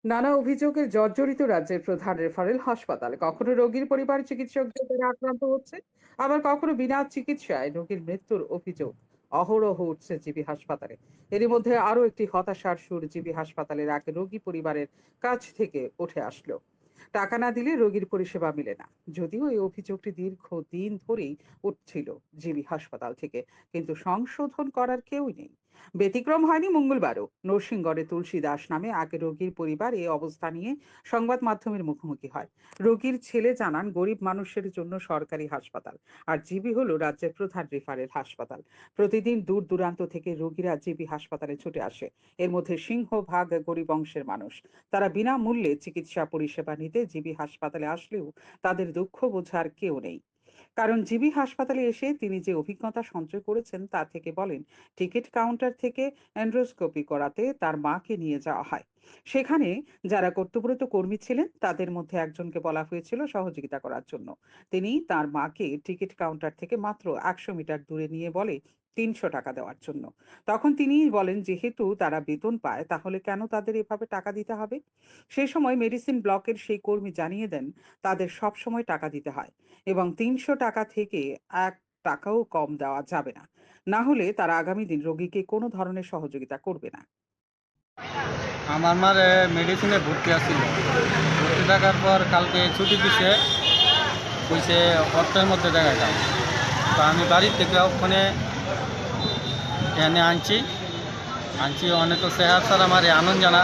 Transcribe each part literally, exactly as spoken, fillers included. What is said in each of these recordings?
নানা অভিযোগে জর্জরিত রাজ্যের প্রধান রেফারেল হাসপাতালে কখনো রোগীর পরিবার চিকিৎসকদের দ্বারা আক্রান্ত হচ্ছে, আবার কখনো বিনা চিকিৎসায় রোগীর মৃত্যুর অভিযোগ অহরহ উঠছে জিবি হাসপাতালে। এরই মধ্যে আরো একটি হতাশার সুর জিবি হাসপাতালের এক রোগী পরিবারের কাছ থেকে উঠে আসলো। টাকা না দিলে রোগীর পরিষেবা মিলে না। যদিও এই অভিযোগটি দীর্ঘ দিন ধরেই উঠছিল জিবি হাসপাতাল থেকে, কিন্তু সংশোধন করার কেউই নেই। ব্যতিক্রম হয়নি মঙ্গলবারও। নরসিংগড়ে তুলসী দাস নামে এক রোগীর পরিবার এই অবস্থা নিয়ে সংবাদ মাধ্যমের মুখোমুখি হয়। রোগীর ছেলে জানান, গরিব মানুষের জন্য সরকারি হাসপাতাল আর জিবি হলো রাজ্যের প্রধান রেফারেল হাসপাতাল। প্রতিদিন দূর দূরান্ত থেকে রোগীরা জিবি হাসপাতালে ছুটে আসে। এর মধ্যে সিংহভাগ গরিব অংশের মানুষ। তারা বিনামূল্যে চিকিৎসা পরিষেবা নিতে জিবি হাসপাতালে আসলেও তাদের দুঃখ বোঝার কেউ নেই। কারণ জিবি হাসপাতালে এসে তিনি যে অভিজ্ঞতা সঞ্চয় করেছেন তা থেকে বলেন, টিকিট কাউন্টার থেকে এন্ড্রোস্কোপি করাতে তার মাকে নিয়ে যাওয়া হয়। সেখানে যারা কর্তব্যরত কর্মী ছিলেন তাদের মধ্যে একজনকে বলা হয়েছিল সহযোগিতা করার জন্য। তিনি তার মাকে টিকিট কাউন্টার থেকে মাত্র একশো মিটার দূরে নিয়ে বলে তিনশো টাকা দেওয়ার জন্য। তখন তিনি বলেন, যেহেতু তারা বেতন পায় তাহলে কেন তাদের এভাবে টাকা দিতে হবে। সেই সময় মেডিসিন ব্লকের সেই কর্মী জানিয়ে দেন, তাদের সব সময় টাকা দিতে হয় এবং তিনশো টাকা থেকে এক টাকাও কম দেওয়া যাবে না। না হলে তারা আগামী দিন রোগীকে কোনো ধরনের সহযোগিতা করবে না। আমার মার মেডিসিনে ভর্তি আছিল। ভর্তি থাকার পর কালকে ছুটি দিছে, কইছে অর্থের মধ্যে দেখাইতাম। তো আমি বাড়ির থেকে ওখানে এনে আনছি আনছি অনেক চেহার স্যার আমার আনন্দ জানা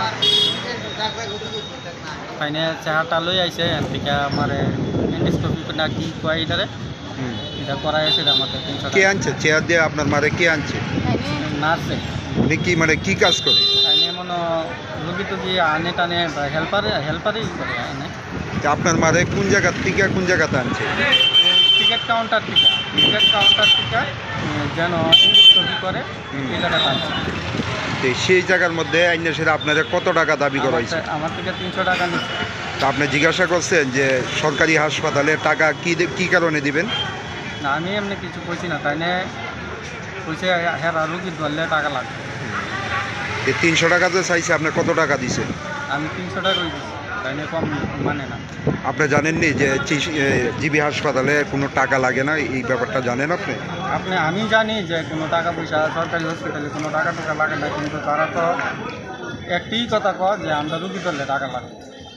তাইনে চেহারটা লই আইছে এন থেকে আমার এন্ডোস্কোপি না কি কয় এটারে হুম। এটা করাই আছে আমাদের তিনশো কে টাকা আনছে চেয়ার দিয়ে আপনার মারে কে আনছে? নার্সে। উনি কি মানে কি কাজ করে? তাইনে মনে রুগী টুগি আনে টানে হেল্পারে হেল্পারই করে আনে। যে আপনার মারে কোন জায়গার থেকে কোন জায়গাতে আনছে? টিকিট কাউন্টার থেকে টিকিট কাউন্টার থেকে উম, যেন ছবি করে হুম। এই জায়গাটা আনছে। তো সেই জায়গার মধ্যে আইনে সেটা আপনারা কত টাকা দাবি করা আমার হয়েছে? থেকে- আমার থেকে তিনশো টাকা নিচ্ছে। তা আপনি জিজ্ঞাসা করছেন যে সরকারি হাসপাতালে টাকা কি দে- কি কারণে দিবেন? না আমি এমনি কিছু কইছি না, তাই নিয়ে কইছে হ্যাঁ রুগী ধরলে টাকা লাগবে। এই তিনশো টাকা যে চাইছে আপনি কত টাকা দিছেন? আমি তিনশো টাকা দিচ্ছি, তাই নিয়ে কম মানে না। আপনি জানেননি যে চি- এ, জিবি হাসপাতালে কোনো টাকা লাগে না, এই ব্যাপারটা জানেন আপনি? আপনি আমি জানি যে কোনো টাকা পয়সা সরকারি হসপিটালে কোনো টাকা টাকা লাগে না, কিন্তু তারা তো একটাই কথা কয় যে আমরা রুগী ধরলে টাকা লাগবে।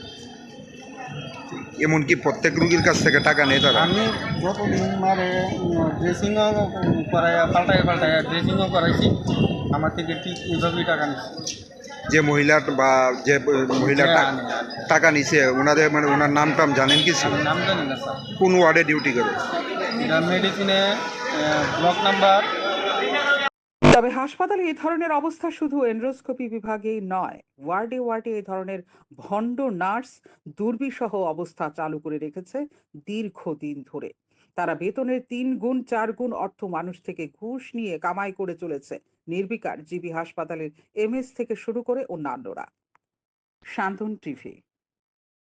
এমনকি প্রত্যেক রুগীর কাছ থেকে টাকা নেই তারা? আমি যতদিন মারে ড্রেসিংও করাই পাল্টাই পাল্টাই ড্রেসিংও করাইছি, আমার থেকে ঠিক এইভাবেই টাকা নিচ্ছে। যে মহিলা বা যে মহিলা হ্যাঁ, টা- আনে, আনে। টাকা নিছে ওনাদের মানে ওনার নাম টাম জানেন কিছু? আমি নাম জানি না স্যার। কোন ওয়ার্ডে ডিউটি করে? এটা মেডিসিনে ব্লক নাম্বার। তবে হাসপাতালে এই ধরনের অবস্থা শুধু এন্ড্রোস্কোপি বিভাগেই নয়, ওয়ার্ডে ওয়ার্ডে এই ধরনের ভণ্ড নার্স দুর্বিষহ অবস্থা চালু করে রেখেছে দীর্ঘদিন ধরে। তারা বেতনের তিন গুণ চার গুণ অর্থ মানুষ থেকে ঘুষ নিয়ে কামাই করে চলেছে। নির্বিকার জিবি হাসপাতালের এমএস থেকে শুরু করে অন্যান্যরা। শান্তন টিভি।